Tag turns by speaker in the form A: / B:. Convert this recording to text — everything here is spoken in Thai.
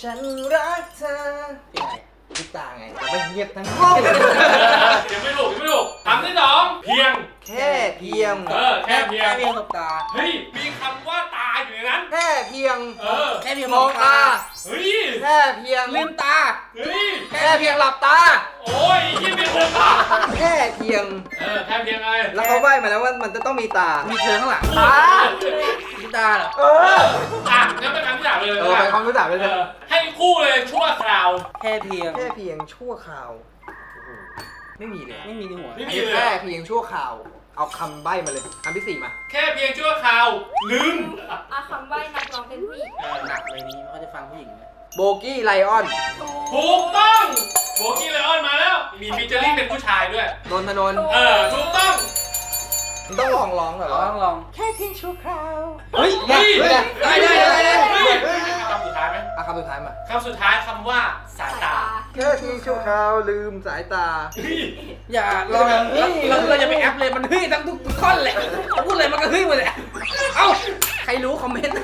A: ฉันรักเธอ
B: เป็นไง
A: ทุกตาไงแต่ไม่เงียบทั้งห้อง
C: ยังไม่ถูกคำที่สองเพียง
A: แค่เพียง
C: แค่เพียง
B: แค่เพียงสบตา
C: เฮ้ยมีคำว่าตาอยู่ในนั้น
A: แค่เพียง
B: แค่เพียง
A: มองตา
C: เฮ้ย
A: แค่เพียง
B: ลืมตา
C: เฮ้ย
A: แค่เพียงหลับตา
C: โอ้ยยิ่งไม่ถูกอ่ะ
A: แค่เพียง
C: แค่เพียงไง
A: แล้วเขาใบ้มาแล้วว่ามันจะต้องมีตา
B: มีเธอข้างหลัง
A: ตา
B: มีตาเหรอ
C: งั้นเป็นคำที่สามเลย
A: ไปความรู้จักไปเลย
C: ให้คู่เลยชั่วคราว
B: แค่เพียง
A: แค่เพียงชั่วคราวไม่มีเลย
B: ไม่มีในหัว
C: ไม่
A: อัน
C: มี
A: นี้
C: เลย
A: แค่เพียงชั่วคราว เอาคำใบ้มาเลยคำที่สี่มา
C: แค่เพียงชั่วคราวลืม
D: คำใบ้นักร้องเป็นผู้หญิง
B: หนักเลยนี้เขาจะฟังผู้หญิงนะ
A: โบกี้ไลออน
C: ถูกต้องโบกี้ไลออนมาแล้วมีฟีเจอริ่งเป็นผู้ชายด้วย
A: นนทนนท์
C: ถูกต้อง
A: มึงต้องร้องเหรอ
B: ลอง
A: แค่เพียงชั่วคราว
B: เฮ้ย
A: ได้
C: คำสุดท้ายไหม
A: เอาคำสุดท้ายมา
C: คำสุดท้ายคำว่าสายตา
A: แค่เพียงชั่วคราวลืมสายตา
B: อย่าเราจะไปแอปเลยมันเฮ้ยทั้งทุกท่อนแหละพูดเลยมันก็เฮ้ยหมดแหละเอ้าใครรู้คอมเมนต์